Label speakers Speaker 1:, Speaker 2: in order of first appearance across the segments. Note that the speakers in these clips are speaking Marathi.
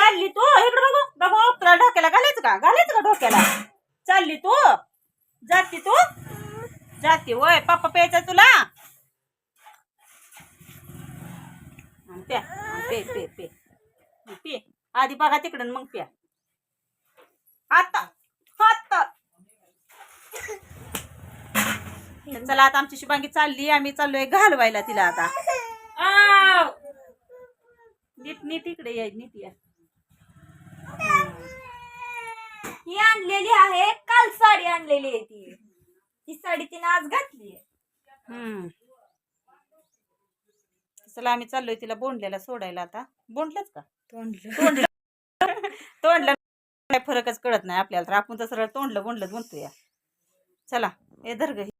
Speaker 1: चालली तू इकडे बघू बघू तुला डोक्याला घालायचं का डोक्याला चालली तू जाती वय पप्पा प्यायचा तुला प्या पे पे पे पे आधी बघा तिकडं मग प्या आता चला आता आमची शुभांगी चालली आम्ही चाललोय घालवायला तिला आता नीट इकडे या नीट या
Speaker 2: ही आणलेली आहे काल साडी आणलेली आहे ती साडी तिने आज घातली
Speaker 1: चला आम्ही चाललोय तिला बोंडल्याला सोडायला आता बोंडलंच का तोंडलं काय फरकच कळत नाही आपल्याला तर आपण तर सरळ तोंडलं बोंडलं म्हणतोय चला हे धर ग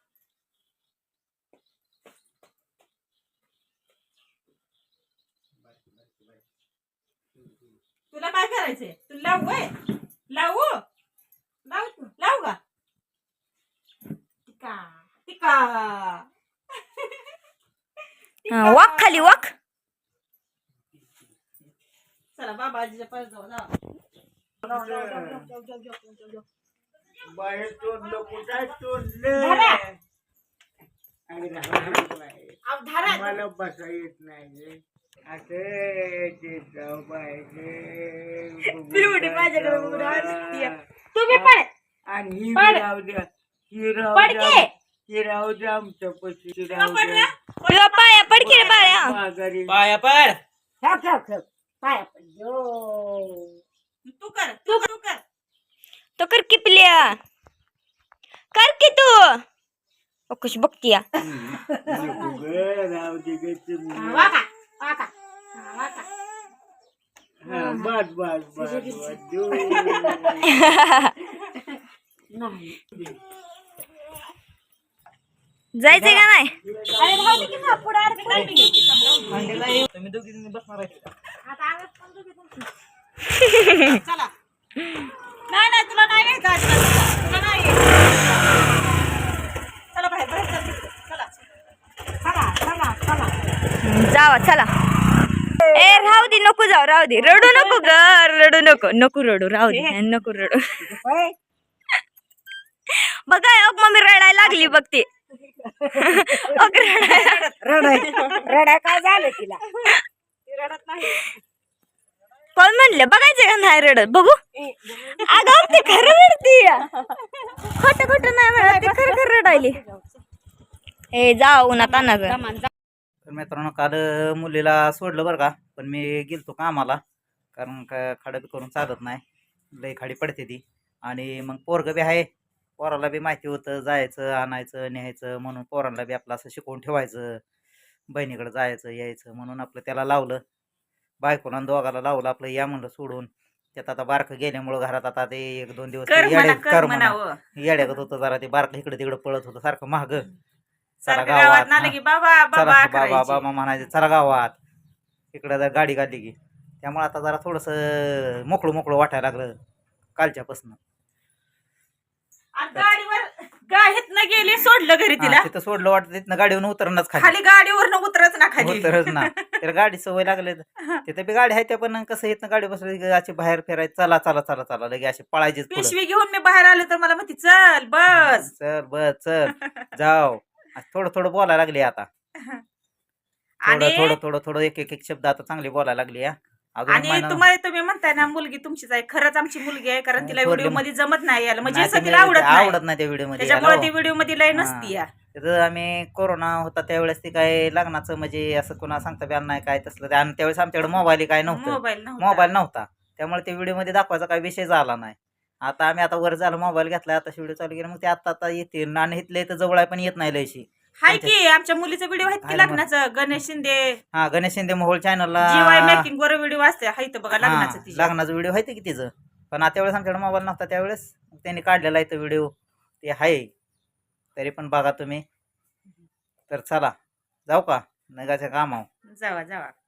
Speaker 1: तुला काय करायचंय तू लावू का टिका
Speaker 2: वाक खाली वाक
Speaker 1: चला बाबा आजीच्या पाय जाऊ
Speaker 3: बाहेर तोंडलं कुठं मला बसा येत नाही
Speaker 2: तुम्ही पण
Speaker 3: आणि ही राहू द्या ही राहू द्या आमच्या पशी
Speaker 2: पाया पड की रे पाया
Speaker 3: माघारी
Speaker 1: पाया पड
Speaker 2: पाया पड
Speaker 1: तू कर
Speaker 2: तो कर की पिल्या कर की तू कशी बघतीया
Speaker 3: राहू दे ग तुम्ही बस बस बस
Speaker 2: जायचंय का नाही
Speaker 1: तुम्ही दोघी बसणार चला नाही तुला नाही घ्यायचं तुला नाही चला बाहेर चला
Speaker 2: जावा चला ए राहू दे नको जाऊ राहू दे रडू नको ग नको रडू राहू दे नको रडू बघा मम्मी रडायला लागली बघ ती
Speaker 1: रडाय काय झालं तिला रडत नाही
Speaker 2: कोण म्हणलं बघायचं का नाही रडत बघू अगं ते खरं रडती खोटं नाही म्हणत ते खरं रडायली ए जाऊ उन्हात आणा ग
Speaker 4: तर मित्रांनो काल मुलीला सोडलं बरं का पण मी गेलतो कामाला कारण खाडं बी करून चालत नाही लई खाडी पडते ती आणि मग पोरगं बी आहे पोराला बी माहिती होतं जायचं आणायचं न्यायचं म्हणून पोरांना बी आपलं असं शिकवून ठेवायचं बहिणीकडे जायचं यायचं म्हणून आपलं त्याला लावलं बायकोला दोघाला लावलं आपलं या म्हणलं सोडून त्यात आता बारकं गेल्यामुळं घरात आता ते 1-2 दिवस येड्यागत होतं जरा ते बारकं इकडे तिकडे पळत होतं सारखं महाग चला गावात बाबा म्हणायचं चला गावात इकडं जर गाडी काढली की त्यामुळे आता जरा थोडंसं मोकळं वाटायला लागलं कालच्यापासून
Speaker 1: गाडीवर गेली सोडलं घरी तिला
Speaker 4: तिथं सोडलं वाटतं तिथनं गाडीवरून उतरणच
Speaker 1: खाली गाडीवर उतरच ना खाली
Speaker 4: उतरच ना त्याला गाडी सवय लागले तिथे बी गाडी आहे त्या पण कसं इथनं गाडी बसली अशी बाहेर फिरायचं चला लगे अशी पळायचीच
Speaker 1: पिशवी घेऊन मी बाहेर आले तर मला म्हणते चल बस
Speaker 4: चल जाव थोडं बोलायला लागली आता थोडं एक शब्द आता चांगली बोलायला लागली
Speaker 1: आणि तुम्ही म्हणताय ना मुलगी तुमचीच आहे खरंच आमची मुलगी आहे कारण तिला व्हिडिओ मध्ये जमत नाही यायला म्हणजे तिला आवडत नाही
Speaker 4: त्या व्हिडिओ मध्ये
Speaker 1: त्याच्यामुळे ती व्हिडिओ मध्ये लय नसती
Speaker 4: तिथं आम्ही कोरोना होता त्यावेळेस ती काय लग्नाचं म्हणजे असं कोणा सांगता बी नाही काय तसलं आणि त्यावेळेस आमच्याकडे मोबाईल काय नव्हतं मोबाईल नव्हता त्यामुळे ते व्हिडिओ मध्ये दाखवायचा काही विषय झाला नाही आता आम्ही आता वर झालं मोबाईल घेतला आता व्हिडिओ चालू केला मग ते आता येते आणि इथले तर जवळ पण येत नाही लयशी
Speaker 1: हाय की आमच्या मुलीचा व्हिडिओ आहेत की लग्नाचं गणेश शिंदे
Speaker 4: मोहोळ चॅनलला
Speaker 1: जीवाय मेकिंग वर व्हिडिओ असते हाय बघा
Speaker 4: लग्नाचा व्हिडिओ आहे की तिचं पण त्यावेळेस आमच्याकडे मोबाईल नव्हता त्यावेळेस त्यांनी काढलेला आहे तो व्हिडिओ ते आहे तरी पण बघा तुम्ही तर चला जाऊ का नगाच्या कामावर
Speaker 1: जावा